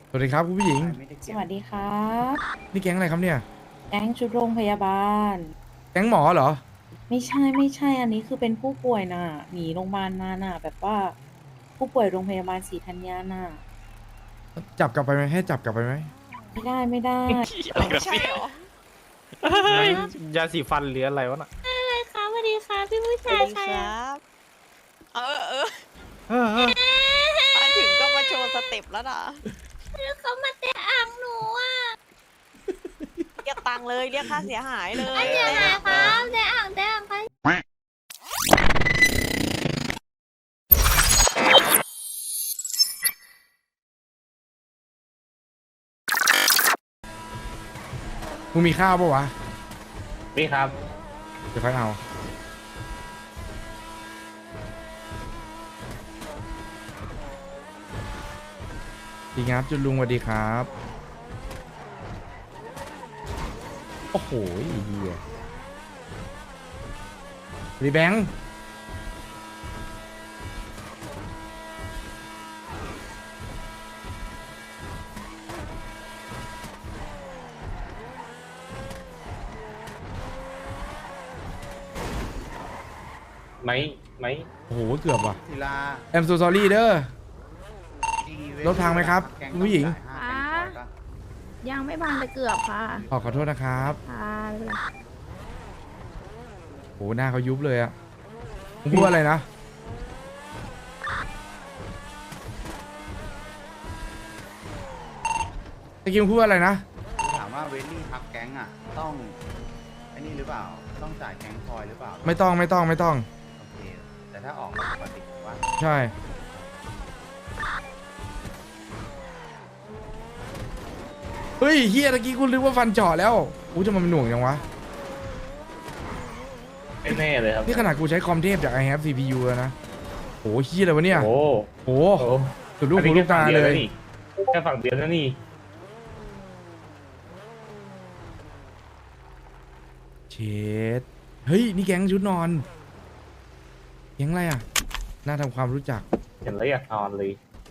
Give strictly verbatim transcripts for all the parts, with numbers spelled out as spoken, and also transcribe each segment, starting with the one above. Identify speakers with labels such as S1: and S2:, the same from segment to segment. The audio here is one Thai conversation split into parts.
S1: สวัสดีครับคุณผู้หญิง
S2: สวัสดีครับ
S1: นี่แก๊งอะไรครับเนี่ย
S2: แก๊งชุดโรงพยาบาล
S1: แก๊งหมอเหรอ
S2: ไม่ใช่ไม่ใช่ อันนี้คือเป็นผู้ป่วยน่ะหนีโรงพยาบาลมาน่ะแบบว่าผู้ป่วยโรงพยาบาลศรีธัญญาน่ะ
S1: จับกลับไปไหมให้จับกลับไปไหม
S2: ไม่ได้ไม่ได้
S3: อะไรกันเนี่ย
S4: ไม่
S3: ยาสีฟันหรืออะไรวะน่ะ
S4: ครับสวัสดีครับพี่ผู้ชายใครอะ
S5: เออเออ
S3: เออเออ
S5: มาถึงก็มาโชว์สเต็ปแล้วนะ
S4: แล้วเขามาเตะอ่างหนูอ่ะ
S5: เรียกตังค์เลยเรียกค่าเสียหายเลย
S4: อันเนี้ยนะครับเตะอ่างเตะอ่างใคร
S1: มึงมีข้าวปะวะ
S3: นี่ครับ
S1: เดี๋ยวค่อยเอาดีครับจุดลุงสวัสดีครับโอ้โหไอ้เหี้ยรีแบงค์
S3: ไหมไหม
S1: โอ้โหเกือบว่ะ
S6: ศิลา
S1: I'm so sorry เด้อ
S6: ดีเว้ย
S1: รถพังไหมครับ
S6: แก๊ง
S1: คุณผู้หญิง
S6: ต้องจ่ายห้าแสนปะ
S4: ยังไม่บานแต่เกือบค่ะ
S1: ขอขอโทษนะครับ
S4: ค่ะไม่เป็นไร
S1: โหหน้าเขายุบเลยอะมึงพูดอะไรนะตะกี้มึงพูดอะไรนะ
S6: ถามว่าเวลลี่พักแก๊งอ่ะ ต้องไอ้นี่หรือเปล่า ต้องจ่ายแก๊งคอยหรือเปล่า
S1: ไม่ต้องไม่ต้องไม่ต้อง
S6: โอเค แต่ถ้าออกมาปกติว่า
S1: ใช่เฮ้ยเฮียตะกี้กูนึกว่าฟันเจาะแล้วอู้จะมันหน่วงยังวะ
S3: ไม่แน่เลยครับ
S1: นี่ขนาดกูใช้คอมเทพจาก I have ซี พี ยู แล้วนะโหเฮียอะไรวะเนี่ย
S3: โอ้
S1: โห
S3: โห
S1: สุดลูกหูลูกตาเลย
S3: แค่ฝั่งเดียวนะนี่
S1: เชดเฮ้ยนี่แก๊งชุดนอนแก๊งอะไรอ่ะน่าทำความรู้จัก
S3: เห็นแล้วอยากนอนเลย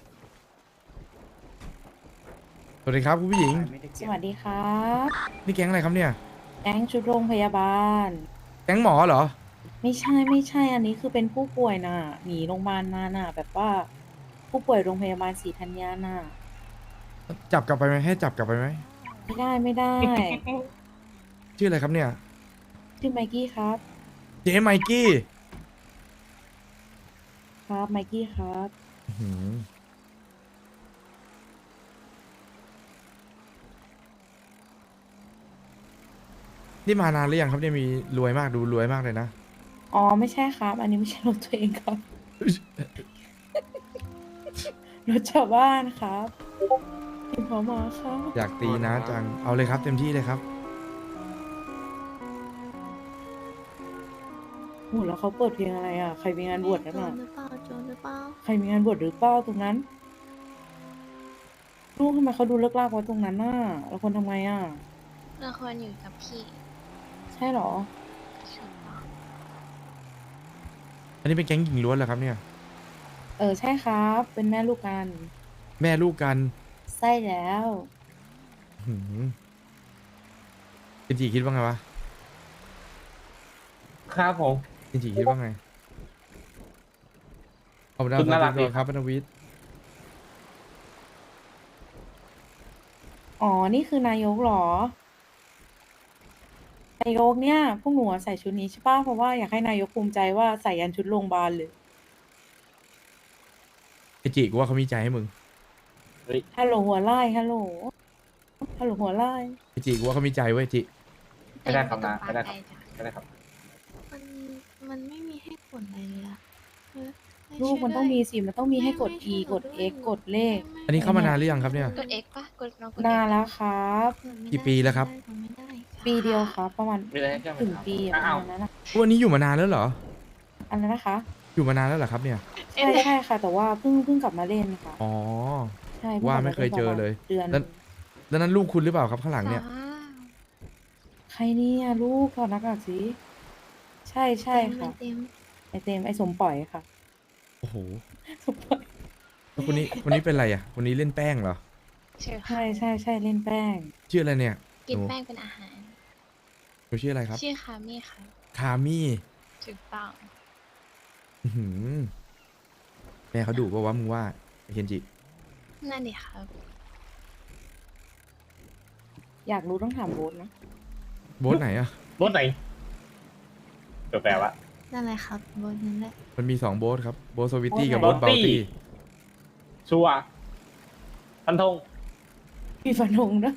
S1: สวัสดีครับคุณผู้หญิง
S6: ไม่ได้เก็
S2: ส
S6: บ
S2: วัสดีครับ
S1: นี่แก๊งอะไรครับเนี่ย
S2: แก๊งชุดโรงพยาบาล
S1: แก๊งหมอเหรอ
S2: ไม่ใช่ไม่ใช่ อันนี้คือเป็นผู้ป่วยน่ะหนีโรงพยาบาลมาน่ะแบบว่าผู้ป่วยโรงพยาบาลศรีธัญญาน่ะ
S1: จับกลับไปไหมให้จับกลับไปไหม
S2: ไม่ได้ไม่ได้
S1: ชื่ออะไรครับเนี่ย
S2: ชื่อไมกี้ครับ
S1: เจ๊ไมกี้
S2: ครับไมกี้ครับ
S1: อื้อหือนี่มานานหรือยังครับเนี่ยมีรวยมากดูรวยมากเลยนะ
S2: อ๋อไม่ใช่ครับ อันนี้ไม่ใช่รถตัวเองครับ รถชาวบ้านครับพิมพ์เขามาครับ
S1: อยากตีนะจังเอาเลยครับเต็มที่เลยครับ
S2: โหแล้วเขาเปิดเพลงอะไรอ่ะ ใครมีงานบวชนั่น
S4: โจร
S2: อ่ะ
S4: หรือเปล่าโจรหรือเปล่า
S2: ใครมีงานบวชหรือเปล่าตรงนั้น ลูกทำไมเขาดูเลิกลากไว้ตรงนั้นน่ะแล้วคนทำไงอ่ะ
S4: เราควรอยู่กับพี่
S2: ใช่เหรอ
S4: ถูกต้อง
S1: อันนี้เป็นแก๊งหญิงล้วนเหรอครับเนี่ย
S2: เออใช่ครับ เป็นแม่ลูกกัน
S1: แม่ลูกกัน
S2: ใช่แล้ว
S1: หืมจินจีคิดว่าไงวะ
S3: ครับผม
S1: จินจีคิดว่าไงขอบคุณ
S3: คุณน่ารักดี
S1: ครับพนวิทย์
S2: อ๋อ นี่คือนายกเหรอ นายกเนี่ย พวกหนูอะใส่ชุดนี้ใช่ป่ะ เพราะว่าอยากให้นายกภูมิใจว่าใส่ยันชุดโรงพยาบาลเลย
S1: ไอจิกูว่าเขามีใจให้มึง
S2: ฮัลโหลหัวไล่ฮัลโหล ฮัลโหลหัวไล่
S1: ไอจิกูว่าเขามีใจเว้ยจิ
S3: ไม่ได้ครับนะ
S4: แต่
S3: ไม่ได้
S4: ยัง
S3: ครับ
S4: ต้องปาใจจ้ะ
S3: ไม่ได้ครับ
S4: มันมันไม่มีให้กดอะไรเลยอะเออให้
S2: ลูก
S4: ช่วย
S2: มันต้อง
S4: ด้วย
S2: มีสิ มันต้องมีให้กด
S4: ไม่
S2: E
S4: ไม่
S2: กด
S4: ช่วย
S2: X
S4: ห
S2: กดเลข
S4: ไม่
S1: อันนี้เข้ามานานหรือยังครับเนี่ย
S4: กด X ปะกดลองกด X
S2: นานแล้วครับ
S4: กดไม่
S1: กี่
S4: ได้
S1: ปีแล้วครับ
S4: กดไม่ได้
S2: ปีเดียวครับ ประมาณ
S3: ไม่ได้ให้เจ้า
S2: ถึงปีอะประ
S3: อ้าว
S2: มาณนั้นนะ
S1: วันนี้อยู่มานานแล้วเหรอ
S2: อันนั้นนะคะ
S1: อยู่มานานแล้วเหรอครับเนี่ย
S2: ใช่ใช่ค่ะ แต่ว่าเพิ่งเพิ่งกลับมาเล่นค่ะ
S1: อ๋อ
S2: ใช่พิ่ง
S1: ว่าก
S2: ลับ
S1: ไม่เคยเจอเลย
S2: เดือน
S1: แล้ว แล้วนั้นลูกคุณหรือเปล่าครับข้างหลังเนี่ย
S4: ว้าว
S2: ใครเนี่ยลูกถอดหน้ากากสิใช่ใช่ค่ะ
S4: เต็ม
S2: ไอเต็มไอสมปล่อยค่ะ
S1: โอ้โห
S2: สมปล่อย
S1: แล้วคนนี้คนนี้เป็นอะไรอ่ะคนนี้เล่นแป้งเหรอ
S4: ใช่ค่ะ
S2: ใช่ใช่ใช่เล่นแป้ง
S1: ชื่ออะไรเนี่ย
S4: กิน
S1: หนู
S4: แป้งเป็นอาหาร
S1: หนูชื่ออะไรครับ
S4: ชื่อคามี่ค่ะ
S1: คามี่
S4: ถูกต้อง
S1: อื้อหือแม่เขาดุป่าวะมึงว่าไอ้เคนจิ
S4: นั่นดิครับ
S2: อยากรู้ต้องถามโบ๊ทนะ
S1: โบ๊ทไหนอะ
S3: รถไหนแปลว่า
S4: นั่นแหละครับบนนั้นแหละ
S1: มันมีสองโบ๊ทครับโบ๊ทสวิตตี้
S2: โบ๊ท
S1: กับ
S2: ไหน
S1: โบ๊ทเบลตี้
S3: ชัวร์พันธง
S2: มีฟันธงนะ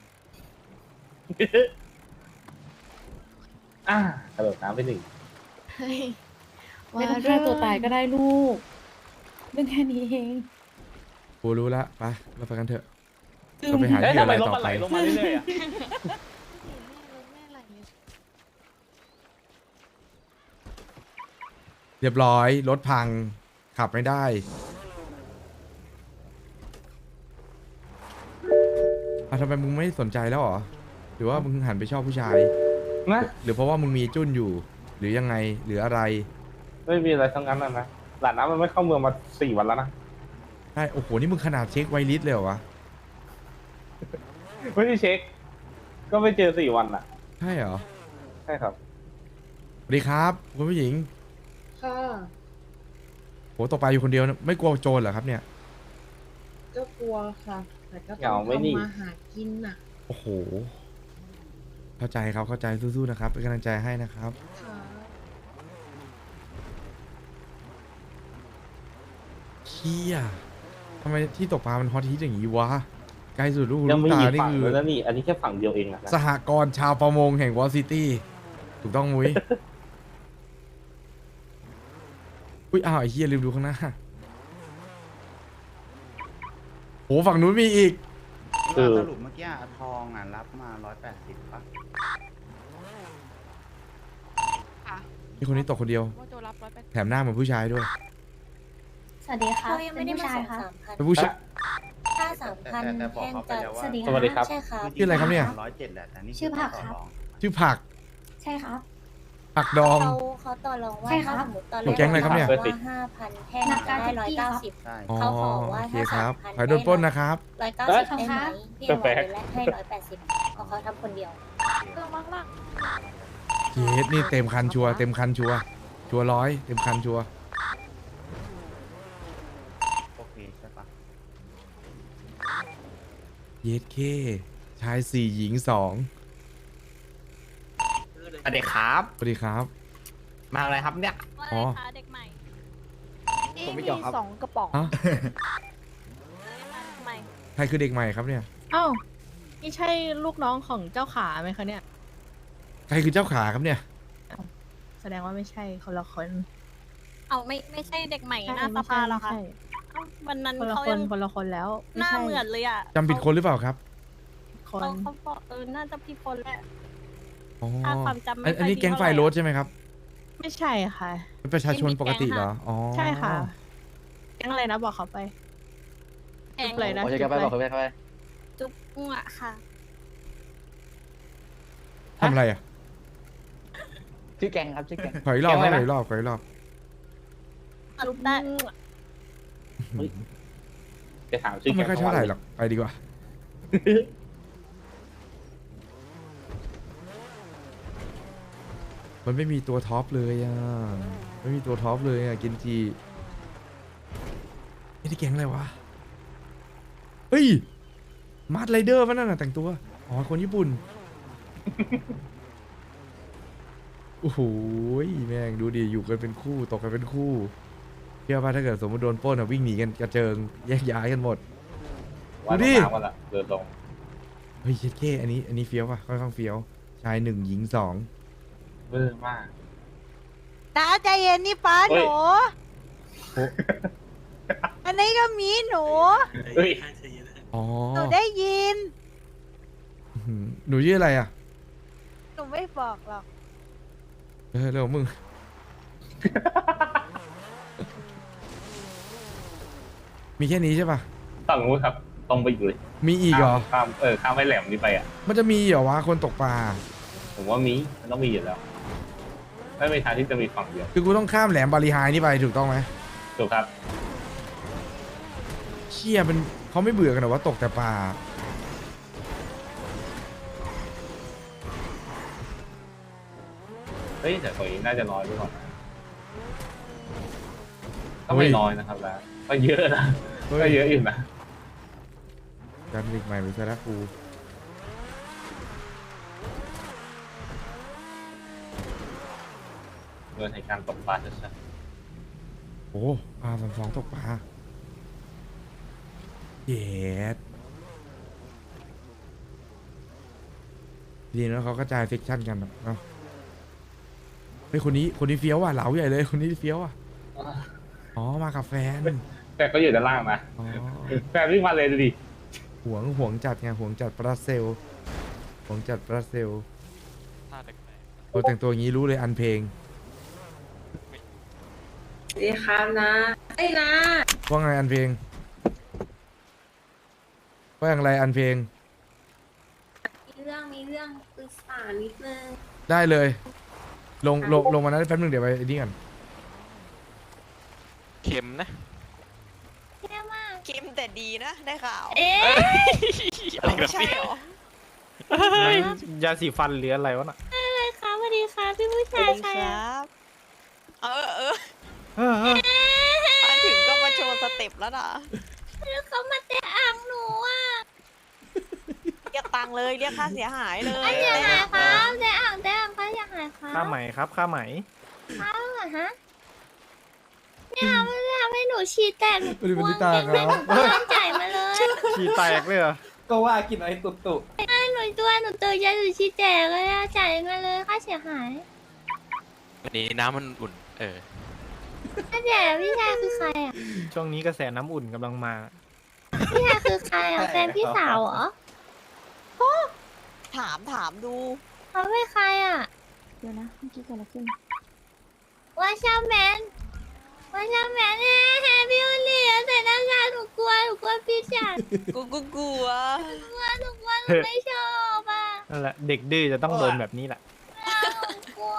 S3: อ่ากระโดดน้ำไปหนึ่ง
S4: เฮ้ย
S2: ไม่ต้องฆ่าตัวตายก็ได้ลูก เรื่องแค่นี้เอง
S1: กูรู้ละไปเราไปกันเถอะเราไปหา
S3: เอ้ย
S1: ที่
S3: ทำ
S1: อะ
S3: ไม
S1: ไร
S3: รถ
S1: ต่อ
S3: มันไห
S1: ไป
S3: ลลงมาเรื่อยๆอ่ะ
S4: รถแม่ไหลเลย
S1: เรียบร้อยรถพังขับไม่ได้อ่ะทำไมมึงไม่สนใจแล้วเหรอหรือว่ามึงหันไปชอบผู้ชาย
S3: นะ
S1: หรือเพราะว่ามึงมีจุ้นอยู่ หรือยังไงหรืออะไร
S3: ไม่มีอะไรทั้งนั้นนะนะหลานน้ำมันไม่เข้าเมืองมาสี่วันแล้วนะ
S1: ใช่โอ้โหนี่มึงขนาดเช็คไวลิสเลยเหรอวะ
S3: ไม่ได้เช็ค ก็ไม่เจอสี่วันอ่ะ
S1: ใช่เหรอ
S3: ใช่ครับ
S1: สวัสดีครับคุณผู้หญิง
S7: ค่ะ
S1: โหตกปลาอยู่คนเดียวนะไม่กลัวโจรเหรอครับเนี่ย
S7: ก็กลัวค่ะ แต่ก็
S3: เห
S7: ต้อง
S3: งาไหมนี่
S7: ทำมาหากินน่ะ
S1: โอ้โหเข้าใจครับเข้าใจสู้ๆนะครับเป็นกำลังใจให้นะครับ
S7: ค่ะ
S1: เชี่ยทำไมที่ตกปลามันฮอตฮิตอย่างนี้วะไกลสุดลูก
S3: ยัง
S1: ลูก
S3: ไม่
S1: ตา
S3: มี
S1: นี่
S3: ฝั่ง
S1: คือ
S3: เลยนะนี่ อันนี้แค่ฝั่งเดียวเองอะนะ
S1: สหกรณ์ชาวประมงแห่งวอลซิตี้ถูกต้องมุ้ย อุ้ยอ้าวไอ้เฮียลืมดูข้างหน้าโหฝั่งนู้นมีอีก
S6: ว่าสรุปเมื่อกี้อะทองอ่ะรับมาร้อยแปดสิบป่ะ
S1: นี่คนนี้ตกคนเดียว
S5: ว่าโจรับร้อยแปด
S1: แถมหน้าเหมือนผู้ชายด้วย
S8: สวัสดีค่ะ
S5: เขายังไม่ได้มาส่ง
S8: ค่ะ
S5: สามพัน
S1: เป็นผู้ชาย
S8: ค่าสามพัน
S6: แต่แต่บอก
S8: แพง
S6: เขาไป
S8: จะ
S6: แล้วว่า
S8: สวัสดี
S3: สวัสดีครับ
S8: ใช่ครับ
S1: ชื่ออะไรครับเนี่ย
S6: ร้อยเจ็ดแหละแต่นี่
S8: ชื่อผัก
S6: ต่
S8: ครับ
S6: รอง
S1: ชื่อผัก
S8: ใช่ครับ
S1: ผักดอง
S8: เขาเขาต่อรองว่า
S2: ใช่ครั
S8: ถ้า
S2: บ
S8: สมมติตอน
S1: หนูแก๊งอะไรครับเนี่ย
S8: ว่าห้าพันแพงจะได้ร้อยเก้าสิบ
S6: ใช่
S1: อ๋อ
S8: เขาขอว่า
S1: โอเค
S8: ถ้า
S1: ครับ
S8: สามพัน
S1: ขอให้โดนปล้นนะครับ
S8: ร้อยเก้าสิบได้ไหมพี่เอาไว้และให้ร้อยแปดสิบเอาเขาทำคนเดียว
S5: เครื่องมาก
S1: เยสนี่เต็มคันชัวร์เต็มคันชัวร์ชัวร์ร้อยเต็มคันชัวร์
S6: โอเคใช่ปะ
S1: เยสเคชายสี่หญิงสอง
S9: สวัสดีครับ
S1: สวัสดีครับ
S9: มาอะไรครับเนี่ย
S5: ๆว่า
S1: อ๋
S5: อะ
S1: อ
S5: ไรคะเด็กใหม่
S9: ผมไม่เกี่ยวครับ
S5: สองกระป๋อง
S1: ฮะ
S5: ใหม่
S1: ใครคือเด็กใหม่ครับเนี่ย
S7: อ้าวนี่ใช่ลูกน้องของเจ้าขาไหมคะเนี่ย
S1: ใครคือเจ้าขาครับเนี่ย
S7: แสดงว่าไม่ใช่คนละคน
S5: เอาไม่ไม่ใใช่เด็กใหม่หน้าส
S7: ไม่
S5: ภา
S7: ใช่
S5: เหรอคะ
S7: ไม่ใช่
S5: เอ้าวันนั้น
S7: คนละ
S5: เขา
S7: ค
S5: ยั
S7: น
S5: ง
S7: คนละคนแล้ว
S5: ห
S7: ไม่
S5: น้า
S7: ใช่
S5: เหมือนเลยอ่ะ
S1: จำผิดคนหรือเปล่าครับ
S7: ค
S5: เขา
S7: น
S5: เขาบอกเออน่าจะผิดคนแหละ
S1: อ๋อ
S5: ถ้าความจำไม่
S1: อันอันนี้
S5: ค่อยดี
S1: แก๊งไฟ
S5: เท่าไหร่
S1: โรสใช่ไหมครับ
S7: ไม่ใช่ค่ะ
S1: เป็นประชาชนปกติเหรอ อ๋อ
S7: ใช่ค่ะแก๊งอะไรนะบอกเขาไป
S5: แก๊ง
S7: จุ๊บเลยนะ
S9: โอเคครับไปบอกเขาไปครับไป
S5: จุ๊บมั่วค่ะ
S1: ทำอะไรอ่ะ
S9: ชื่อแกงครับชื่อแกง
S1: ขออีกรอบ
S3: แก๊ง
S1: ข
S3: อะไร
S1: อ
S3: นะ
S1: อีกรอบขออีกรอบ
S5: จุ๊บได้
S3: จะถามชื่อ
S1: ก็ไม่ค่อยเท่าไหร่
S3: แกง
S1: หรอก ไปดีกว่า มันไม่มีตัวท็อปเลยอ่ะ ไม่มีตัวท็อปเลยอ่ะ กินจีนี่ที่แก๊งอะไรวะ เฮ้ย มาร์ทไรเดอร์มันนั่นน่ะแต่งตัว อ๋อ คนญี่ปุ่น โอ้โหแม่งดูดิ อยู่กันเป็นคู่ ตกกันเป็นคู่เชื่อป่ะถ้าเกิดสมมติโดนปล้นอ่ะวิ่งหนีกันกระเจิง แยกย้ายกันหมด
S3: วัน
S1: ดูดิ
S3: น้ำวันละเดินลง
S1: เฮ้ยเช็ดเก้อันนี้ อันนี้เฟี้ยวป่ะ ค่อนข้างเฟี้ยว ชายหนึ่งหญิงสอง
S3: เบื่อมาก
S5: น้าใจเย็นนี่ป้า
S3: เฮ้
S5: ห
S3: ย
S5: นู
S1: โอ้
S5: อันนี้ก็มีหนู
S3: เฮ้ย
S1: อ๋อ
S5: หนูได้ยิน
S1: อื้อหือหนูชื่ออะไรอ่ะ
S5: หนูไม่บอกหรอก
S1: เออเรื่องของมึง มีแค่นี้ใช่ป่ะ
S3: ฝั่งนู้นครับตรงไปอยู่เลย
S1: มีอีกเหรอ
S3: ข้ามเออข้ามไปแหลมนี้ไปอ่ะ
S1: มันจะมีเหรอวะคนตกปลา
S3: ผมว่ามีมันต้องมีอยู่แล้ว ไม่มีทางที่จะมีฝั่งเดียว
S1: คือกูต้องข้ามแหลมบาลีไฮนี่ไปถูกต้องไหม
S3: ถูกครับ
S1: เชี่ยเป็นเขาไม่เบื่อกันเหรอว่าตกแต่ปลา
S3: เฮ้ยแต่ตัวนี้น่าจะน้อยไปก่อนนะก็ไม่น้อยนะครับแล้วก็เยอะนะก็เยอะอยู่นะ
S1: การผลิตใหม่ไปซะแล้วกู
S3: เงินในการตกปลาชัด
S1: โอ้ปลาสองสองตกปลาเย็ดดีนะเขากระจายเซกชันกันเนาะเฮ้ยคนนี้คนนี้เฟี้ยวอ่ะเหลาใหญ่เลยคนนี้เฟี้ยวอ่ะ
S3: ๆ
S1: อ๋อมากับแฟน
S3: แต่ก็อยู่ด้านล่างนะ
S1: อ๋อ
S3: แฟนวิ่งมาเลยดูดิ
S1: หวงหวงจัดไงหวงจัดบราเซลหวงจัดบราเซลโอ้แต่งตัวอย่างนี้รู้เลยอันเพลง
S2: สวัสดีครับนะไอ้นะ
S1: ว่าไงอันเพลงว่าอย่างไรอันเพลง
S2: มีเรื่องมีเรื่องปรึกษานิดนึง
S1: ได้เลย ลงลงลงมานั้นแป๊บนึงเดี๋ยวไปไอ้นี่กัน
S10: เข็มนะ
S2: แย่มาก
S5: เกมแต่ดีนะ ได้ข่าว
S2: เอ๊ะ
S10: อะไรกัน
S5: ใช่เหรอ
S9: ยาสีฟันหรืออะไรวะน่ะ
S2: อะไรคะสวัสดีค่ะพี่ผู้
S5: สวั
S2: ชาย
S5: สดี
S2: ใคร
S5: ค
S2: อะ
S5: รับ เออเออ
S9: เออเออ
S5: มาถึงก็มาโชว์สเต็ปแล้วนะ
S2: แล้วเขามาเตะอ่างหนูอ่ะ
S5: เรียกตังค์เลยเรียกค่าเสียหายเลย
S2: อันอย่าหายครับเตะอ่างเตะอ่างค่ะอย่าหายครับ
S9: ค่าไหมครับค่าไหม
S2: ครับเหรอฮะเนี่ยมันทำให้หนูฉี่แตกหนู
S1: ไม่ได้เป็นที่ตา
S2: เก่ง
S1: ครับ
S2: หนูตั้งใจมาเลย
S9: ฉี่แตกเลยเหรอ
S6: ก็ว่ากินไอ้ตุตุ
S2: หนูตัวหนูตื่นใจหนูฉี่แตกเลยอะจ่ายมาเลยค่าเสียหาย
S10: วันนี้น้ำมันอุ่น เออ
S2: ค่าเสียพี่ชายคือใครอ่ะ
S9: ช่วงนี้กระแสน้ำอุ่นกำลังมา
S2: พี่ชายคือใครอ่ะแฟนพี่สาวเหรอ
S5: ถามถามดู
S2: เขาเป็นใครอ่ะ
S8: เดี๋ยวนะเมื่อกี้เกิดอะไรขึ้น
S2: ว่าชาแมนว่าชาแมนเฮ้แฮปปี้วันนี้แต่หน้างานหนูกลัวหนูกลัวพี่ชาย
S5: กูกูกลัว
S2: กลัวหนูกลัวหนูไม่ชอบอ่ะ
S9: นั่นแหละเด็กดื้อจะต้องโดนแบบนี้แหละ
S2: หนูกลัว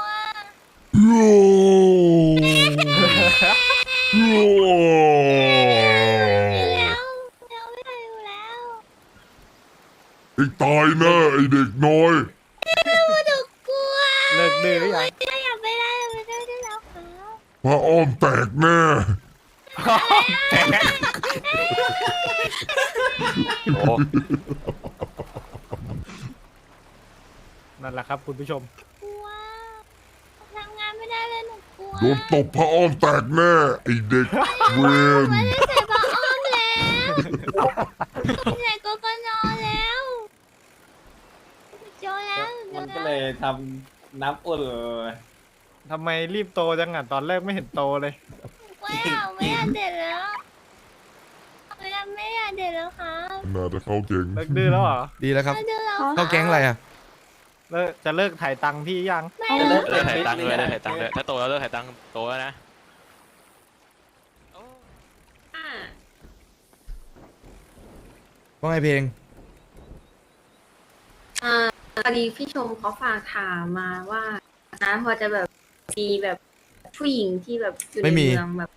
S2: อยู่แล้วแล้วไม่ได้อยู่แล้ว
S11: ไอ้ตายแน่ไอ้เด็กน้อย
S2: หนูกลัว
S9: เลิกดื้อหรือยัง
S2: ไม่อยากไปได้ไม่ได้ได้แล้วครับ
S11: พระอ้อมแตกแน่
S10: โอ้
S9: นั่นแหละครับคุณผู้ชม
S2: กลัวทำงานไม่ได้เลยหนูกลัว
S11: โดนตบพระอ้อมแตกแน่ไอ้เด็กเวน
S2: ไม่ได้ใส่ผ้าอ้อมแล้วใส่โกโกนอแล้วโจแล้วโจ
S6: มันก็
S2: แล้ว
S6: เลยทำน้ำอุ่นเลย
S9: ทำไมรีบโตจังอ่ะตอนแรกไม่เห็นโตเลย
S2: ไม่เอาไม่อยากเด็ดแล้วไม่อยากไม่อยากเด็ดแล้วครับ
S11: น่าจะเข้าเก่ง
S9: เลิกดื้อแล้วเหรอ
S1: ดีแล้วครับ
S2: ไม่เด็ดแล้ว
S1: เข้าแก๊งอะไรอ่ะ
S9: เลิกจะเลิกถ่ายตังค์พี่ยัง
S2: ไม่
S10: เลิ
S2: เลิ
S10: ก
S2: ก
S10: เลิกถ่ายตังค์เลยเลิกถ่ายตังค์เลยถ้าโตแล้วเลิกถ่ายตังค์โตแล้วนะ
S1: ว่าไงเพลง
S2: อ่าพอดีพี่ชมเขาฝากถามมาว่านะพอจะแบบมีแบบผู้หญิงที่แบบอยู่ใน
S1: ไม่มี
S2: เมืองแบบ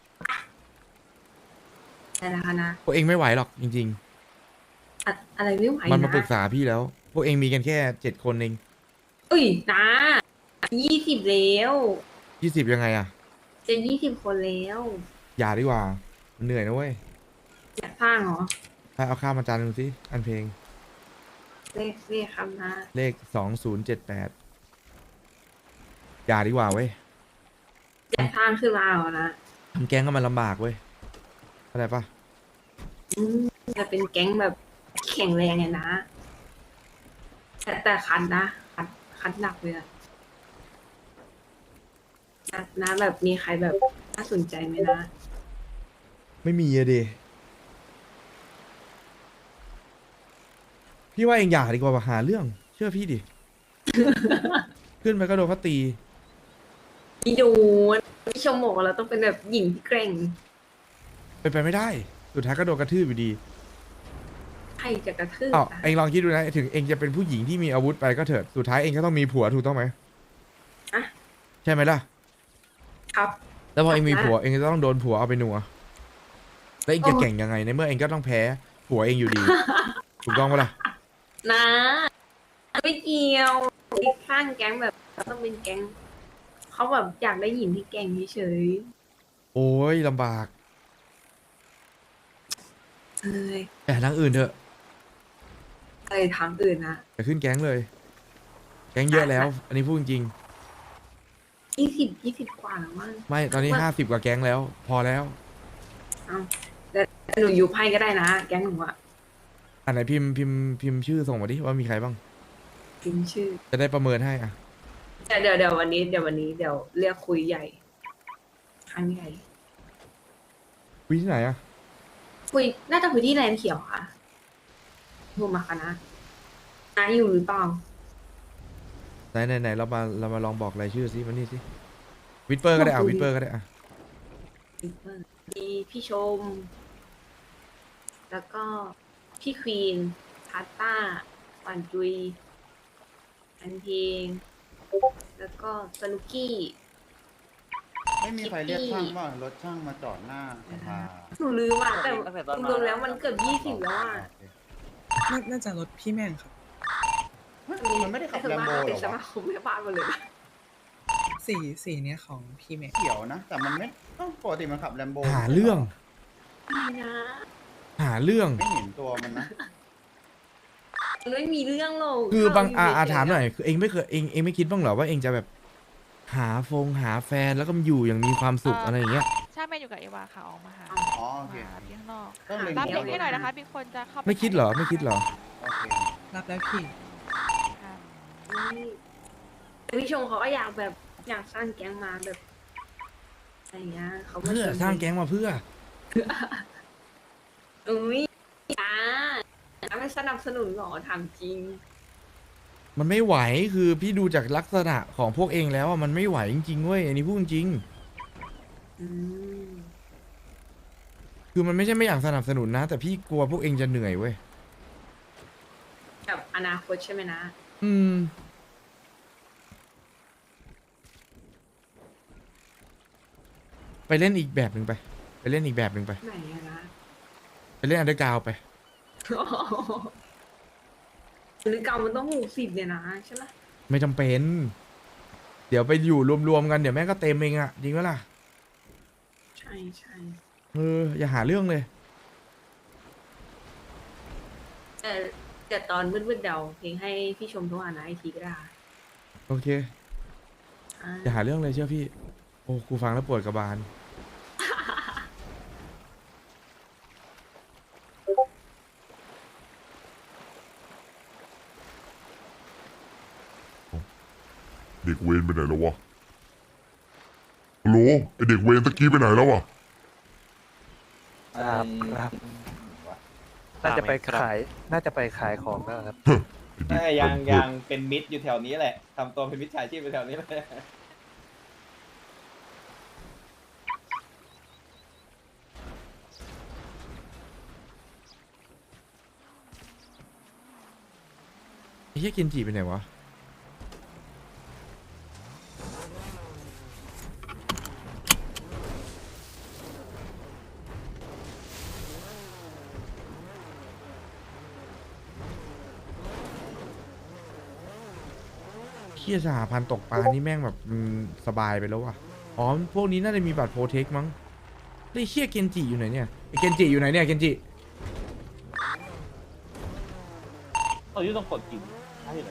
S2: อะไรนะคะนะ
S1: พวกเองไม่ไหวหรอกจริง
S2: อะอะไรไม่ไหว
S1: ๆ มันมาปรึก
S2: นะ
S1: ษาพี่แล้ว พวกเองมีกันแค่เจ็ดคนเอง
S2: เอ้ยนะยี่สิบแล้ว
S1: ยี่สิบยังไงอ่ะ
S2: จะยี่สิบคนแล้ว
S1: อย่าดีกว่ามันเหนื่อยนะเว้ย
S2: อยากสร้างเหรอ
S1: ถ้าเอาข้ามมาจานหนึ่งสิอันเพลง
S2: เลขเลขครับนะ
S1: เลขสองศูนย์เจ็ดแปดอย่าดีกว่าเว้ย
S2: อยากสร้างขึ้นมาเหรอนะ
S1: ทำแก๊งก็มันลำบากเว้ยเข้าใจปะ
S2: อืมจะเป็นแก๊งแบบแข็งแรงไงนะ แต่แต่คันนะคันคันหนักเลยอะนะนะแบบมีใครแบบน่าสนใจไหมนะ
S1: ไม่มีอะดิพี่ว่าเองอย่าดีกว่าว่ะหาเรื่อง เชื่อพี่ดิ ขึ้นไปก็โดนเขาตี
S2: พี่ดูพี่ชมบอกว่าเราต้องเป็นแบบหญิงที่เกร่ง
S1: เป็นไปไม่ได้ สุดท้ายก็โดนกระทืบอยู่ดี
S2: ใครจะกระทืบ
S1: อ้าว
S2: อะ
S1: เองลองคิดดูนะ ถึงเองจะเป็นผู้หญิงที่มีอาวุธไปก็เถิด สุดท้ายเองก็ต้องมีผัวถูกต้องไหม
S2: อะ
S1: ใช่ไหมล่ะ
S2: ครับ
S1: แล้วพอเองมี
S2: อ่ะ
S1: ผัวเองก็ต้องโดนผัวเอาไปหนัวแล้วเองจะ
S2: โอ้
S1: เก่งยังไงในเมื่อเองก็ต้องแพ้ผัวเองอยู่ดี ถูกต้องปะล่ะ
S2: นะไม่เกี่ยวสร้างแก๊งแบบเราต้องเป็นแก๊ง
S4: เขาแบบอยากได้หญิงที่เก่งเฉย
S1: โอ้ยลำบาก
S4: ๆเอ้ย
S1: แต่ทางอื่นเถอะ
S4: เอ้ยทางอื่นนะ
S1: อย่าขึ้นแก๊งเลย แก๊งเยอะแล้ว อันนี้พูดจริง
S4: ยี่สิบยี่สิบกว่าแล้วมั้ง
S1: ๆไม่ตอนนี้
S4: ว่า
S1: ห้าสิบกว่าแก๊งแล้ว พอแล้ว
S4: เอาแต่หนูอยู่ไพ่ก็ได้นะ แก๊งหนูอะ
S1: อันไหนพิมพ์พิมพ์พิมพ์ชื่อส่งมาดิว่ามีใครบ้าง
S4: พิมพ์ชื่อ
S1: จะได้ประเมินให้อ่ะ
S4: เดี๋ยวเดี๋ยวเดี๋ยววันนี้เดี๋ยววันนี้เดี๋ยวเรียกคุยใหญ่ครั้งใหญ่
S1: คุยที่ไหนอ่ะ
S4: คุยน่าจะคุยที่แลนด์เขียวค่ะโทรมาคณะน้าอยู่หรือเปล่า
S1: ไหนไหนไหนเรามาเรามาลองบอกรายชื่อสิมานี่สิวิดเปอร์ก็ได้อ่ะวิดเปอร์ก็ได้อ่ะ
S4: มีพี่ชม แล้วก็พี่ควีนพาต้าปันจุยอันเพลง แล้วก็สนุกกี้
S6: ไม่มีใครเรียกช่างว่ารถช่างมาจอดหน้าสภา
S4: หนูลืมอ่ะแต่รวมๆแล้วมันเกือบยี่สิบแล้วอ่ะ
S12: น่าจะรถพี่แม่งครับ
S6: มันไม่ได้ขับ
S4: แต่
S6: แล
S4: ส่วน
S6: ม
S4: มาก
S6: โบ
S4: มัน
S6: หร
S4: เป็น
S6: อ
S4: สมาว
S6: ะ
S4: คมแม่บ้านหมดเลยนะ
S12: สีสีเนี้ยของพี่แม่ง
S6: เขียวนะ แต่มันไม่ต้องปกติมันขับแลมโบ
S1: หาเรื่อง
S4: ไม่นะ
S1: หาเรื่อง
S6: ไม่เห็นตัวมันนะ
S4: มันไม่มีเรื่องหรอก
S1: คือบาง
S4: เร
S1: อา
S4: ยู่
S1: อา
S4: เฉๆ
S1: ถามหน่อยคือเองไม่เคยเองเองไม่คิดบ้างเหรอว่าเองจะแบบ หาฟงหาแฟนแล้วก็อยู่อย่างมีความสุขอะไรอย่างเงี้ย
S5: ใช่แม่อยู่กับเอวาค่ะออกมาหา
S6: อ๋อโอเค
S5: มาหาที่ข้างนอก
S6: ต้องเล็ง
S5: รับ
S6: เดี
S5: เด็
S6: ยว
S5: กให้หน่อยนะคะ มีคนจะเข้าป
S1: ไม่คิดเหรอไม่คิดเหรอ
S6: โอเค
S12: รับแล้วพี่
S5: ค่ะ
S4: แต่พี่ชมเขาก็อยากแบบอยากสร้างแก๊งมาแบบอะไรอย่างเงี้ยเขาก็
S1: เพื่อ
S4: ชวน
S1: สร้างแก๊งมาเพื่อ
S4: อุ้ยอ่าไม่สนับสนุนหรอถามจริง
S1: มันไม่ไหวคือพี่ดูจากลักษณะของพวกเองแล้วอะมันไม่ไหวจริงๆเว้ยอันนี้พูดจริง
S4: อืม
S1: คือมันไม่ใช่ไม่อยากสนับสนุนนะ แต่พี่กลัวพวกเองจะเหนื่อยเว้ย
S4: แบบอนาคตใช่ไหมนะ
S1: อืม ไปเล่นอีกแบบหนึ่งไป ไปเล่นอีกแบบหนึ่งไป
S4: ไหนอะนะ
S1: ไปเล่นอันเดอร์กราวด์ไป
S4: หรือเก่ามันต้องหกสิบเนี่ยนะใช่ไหม
S1: ไม่จำเป็น เดี๋ยวไปอยู่รวมๆกันเดี๋ยวแม่งก็เต็มเองอะจริงไหมล่ะ
S4: ใช่ใช่
S1: เอออย่าหาเรื่องเลย
S4: แต่แต่ตอนมืดๆเดาเพลงให้พี่ชมโทรหานะไอทีก็ได้
S1: โอเค
S4: อ่า
S1: อย่าหาเรื่องเลยเชื่อพี่ โอ้กูฟังแล้วปวดกระบาล
S11: เด็กเวรไปไหนแล้ววะฮัลโหลไอเด็กเวรตะกี้ไปไหนแล้ววะ
S9: ครับครับ น่าจะไปขาย น่าจะไปขายของแล้วครับ
S11: ไอ้เด็ก
S3: ยัง
S11: เวร
S3: ยังเป็นมิดอยู่แถวนี้แหละทำตัวเป็นมิดชายชีพอยู่แถวนี้เลย
S1: ไอ้เหี้ยเกนจิไปไหนวะ เฮียสหพันธ์ตกปลานี่แม่งแบบอืมสบายไปแล้วว่ะ อ๋อ พวกนี้น่าจะมีบัตรโปรเทคมั้งไอ้เฮียเกนจิอยู่ไหนเนี่ยไอ้เกนจิอยู่ไหนเนี่ยเกนจิ
S3: ตอนนี้ต้องกดกินใช่เลย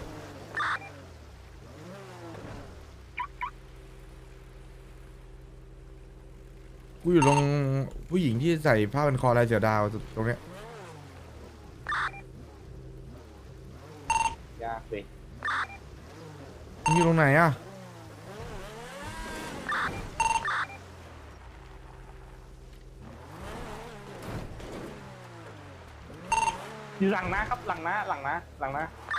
S1: กูอยู่ตรงผู้หญิงที่ใส่ผ้าพันคอลายเสือดาวตรงเนี้ย
S3: ยากเลย
S1: มึงอยู่ตรงไหนอะ
S9: อยู่หลังนะครับ หลังนะ หลังนะ หลังนะ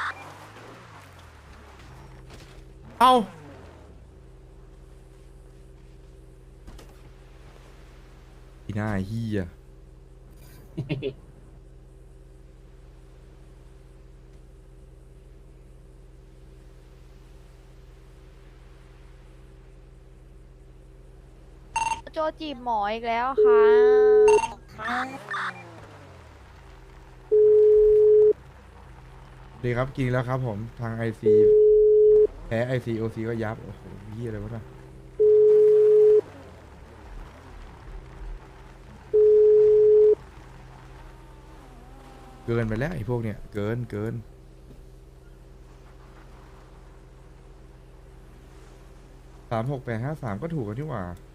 S1: เอ้าอีหน้าเฮีย
S5: โจจีบหมออีกแล้วค่ะ
S1: ดีครับกินแล้วครับผมทางไอซีแพ้ไอซีโอซีก็ยับ โอ้โหพี่อะไรวะน่ะเกินไปแล้วไอ้พวกเนี้ยเกินเกินสามหกแปดห้าสามก็ถูกกันที่หว่า